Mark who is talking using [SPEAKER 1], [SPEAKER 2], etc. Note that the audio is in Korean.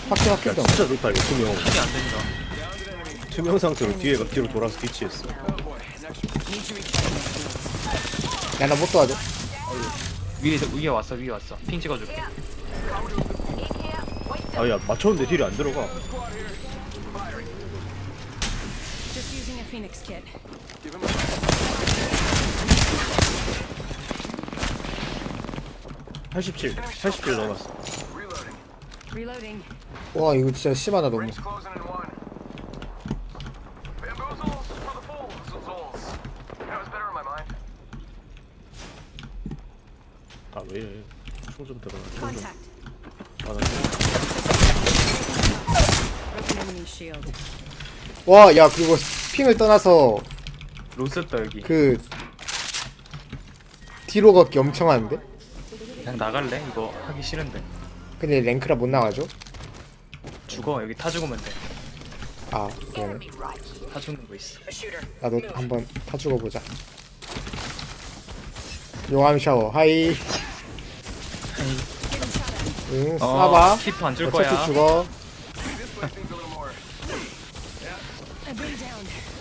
[SPEAKER 1] 확실
[SPEAKER 2] 야
[SPEAKER 1] 확실성.
[SPEAKER 2] 진짜 좋다 이거 투명.
[SPEAKER 3] 킬이 안 된다.
[SPEAKER 2] 투명 상태로 뒤로 돌아서 뒤치했어.
[SPEAKER 1] 야나 못 도와줘.
[SPEAKER 3] 위에 왔어. 핑 찍어줄게.
[SPEAKER 2] 아야 맞췄는데 딜이 안 들어가.
[SPEAKER 4] Just using a Phoenix kit.
[SPEAKER 2] 87 넘었어.
[SPEAKER 4] Reloading.
[SPEAKER 1] 와 이거 진짜 심하다 너무.
[SPEAKER 2] 아 왜? 총좀 들어가. 총 좀.
[SPEAKER 4] Contact.
[SPEAKER 2] 아, 나
[SPEAKER 4] Broken enemy shield.
[SPEAKER 1] 와 야 그리고 핑을 떠나서
[SPEAKER 3] 로스다 여기.
[SPEAKER 1] 그 뒤로 걷기 엄청 하는데?
[SPEAKER 3] 그냥 나갈래? 이거 하기 싫은데.
[SPEAKER 1] 근데 랭크라 못 나가죠?
[SPEAKER 3] 죽어. 여기 타 죽으면 돼.
[SPEAKER 1] 아 그러네.
[SPEAKER 3] 타 죽는 거 있어.
[SPEAKER 1] 나도 한번 타 죽어보자. 용암 샤워 하이. 응 쏴봐.
[SPEAKER 3] 키프 안줄
[SPEAKER 1] 어차피
[SPEAKER 3] 거야.
[SPEAKER 1] 죽어.
[SPEAKER 4] I've been down.